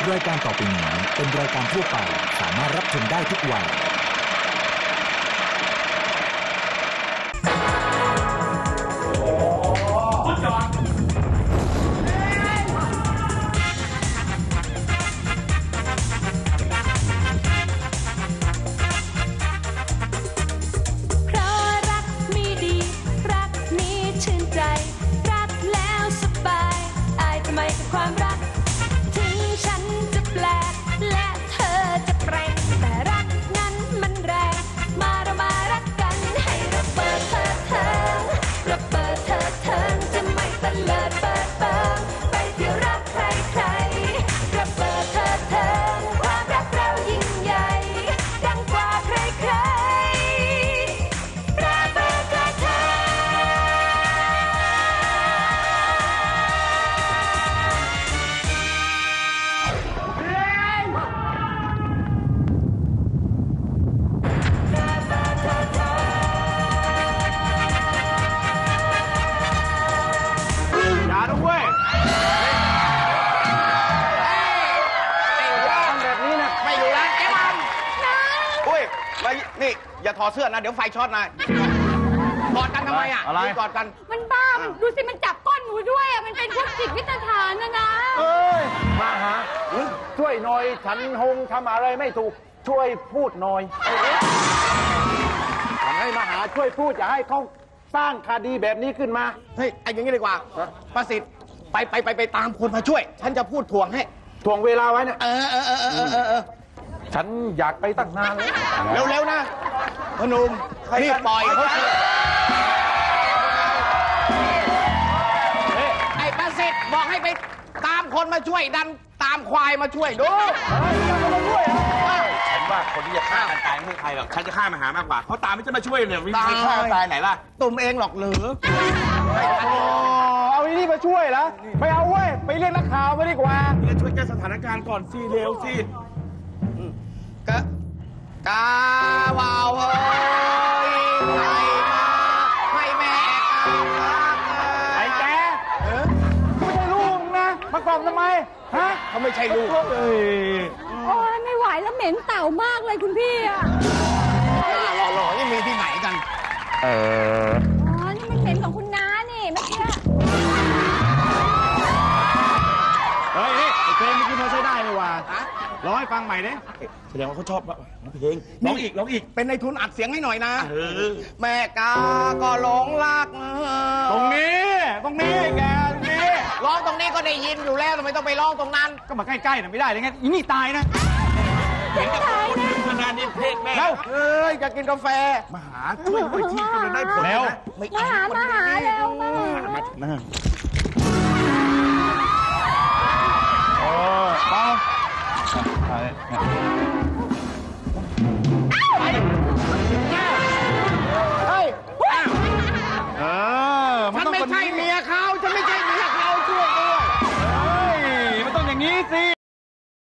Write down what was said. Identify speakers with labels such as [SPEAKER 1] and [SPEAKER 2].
[SPEAKER 1] รายการต่อไปนี้เป็นรายการทั่วไปสามารถรับชมได้ทุกวัย
[SPEAKER 2] ความรักถึงฉันจะแปลกและเธอจะแปลงแต่รักนั้นมันแรงมาเรามารักกันให้ระเบิดเถิดเทิงระเบิดเถิดเทิงจะไม่ตะเลิดเปิดเปิงไปเที่ยวรักใครใครระเบิดเถิดเทิงความรักเรายิ่งใหญ่ดังกว่าใครใครระเบิดเถิดเทิง
[SPEAKER 3] นี่อย่าถอดเสื้อนะเดี๋ยวไฟช็อตนะกอดกันทำไมอ่ะอะไรกอดกัน
[SPEAKER 2] มันบ้ามันดูสิมันจับก้นหนูด้วยอ่ะมันเป็นพวกจิตวิทยานะ
[SPEAKER 4] มาหาช่วยหน่อยฉันหงทำอะไรไม่ถูกช่วยพูดหน่อยฉันให้มาหาช่วยพูดอย่าให้เขาสร้างคดีแบบนี้ขึ้นมา
[SPEAKER 3] เฮ้ยไอ้อย่างนี้ดีกว่าประสิทธิ์ไปตามคนมาช่วยฉันจะพูดถ่วงให้
[SPEAKER 4] ถ่วงเวลาไว้นะฉันอยากไปตั้งนาน
[SPEAKER 3] แล้วเร็วๆนะพนุมรีบปล่อยเขาไอ้ประสิทธิ์บอกให้ไปตามคนมาช่วยดันตามควายมาช่วยดู
[SPEAKER 5] ฉันว่าคนที่จะฆ่ากันตายไม่ใช่ใครหรอกฉันจะฆ่ามาหามากกว่าเขาตามไม่จะมาช่วยเนี่ยวิ่งไปฆ่าตายไหนล่ะ
[SPEAKER 3] ตุ่มเองหรอกหรือ
[SPEAKER 4] เอาอีนี่มาช่วยเหรอไม่เอาเว้ยไปเรียกนักข่าวมาดีกว่า
[SPEAKER 5] ช่วยแก้สถานการณ์ก่อนสิเร็วสิ
[SPEAKER 3] กาวาวเฮ้ยใครมาให้แม่กาว
[SPEAKER 4] ไอ้แกไม่ใช่ลูกนะมากล่อมทำไมฮะ
[SPEAKER 3] เขาไม่ใช่ลูก
[SPEAKER 2] โอ้ยไม่ไหวแล้วเหม็นเต่ามากเลยคุณพี่อ่ะ
[SPEAKER 3] หล่อๆนี่มีที่ไหนกัน
[SPEAKER 2] อ๋อนี่มันเหม็นของคุณน้านี่เมื่อกี้
[SPEAKER 4] เฮ้ยไอ้เพลงเมื่อกี้พอใช้ได้เลยว่ะร้องให้ฟังใหม่ดิ
[SPEAKER 5] แสดงว่าเขาชอบเพลงร้องอีก
[SPEAKER 3] เป็นในทุนอัดเสียงให้หน่อยนะแม่กาก็หลงรัก
[SPEAKER 4] ตรงนี้แกตรงนี้
[SPEAKER 3] ร้องตรงนี้ก็ได้ยินอยู่แล้วทำไมต้องไปร้องตรงนั้น
[SPEAKER 4] ก็มาใกล้ๆน่ะไม่ได้เลยไงอีนี่ตายนะ
[SPEAKER 5] เห็นกับคนขนาดนี้เพลงแม่
[SPEAKER 3] เฮ้ยจะกินกาแฟ
[SPEAKER 5] มาหาช่วยหน่อยที่จะได้ผล
[SPEAKER 4] แล้ว
[SPEAKER 2] มาหาแล้ว
[SPEAKER 4] มาเปล่า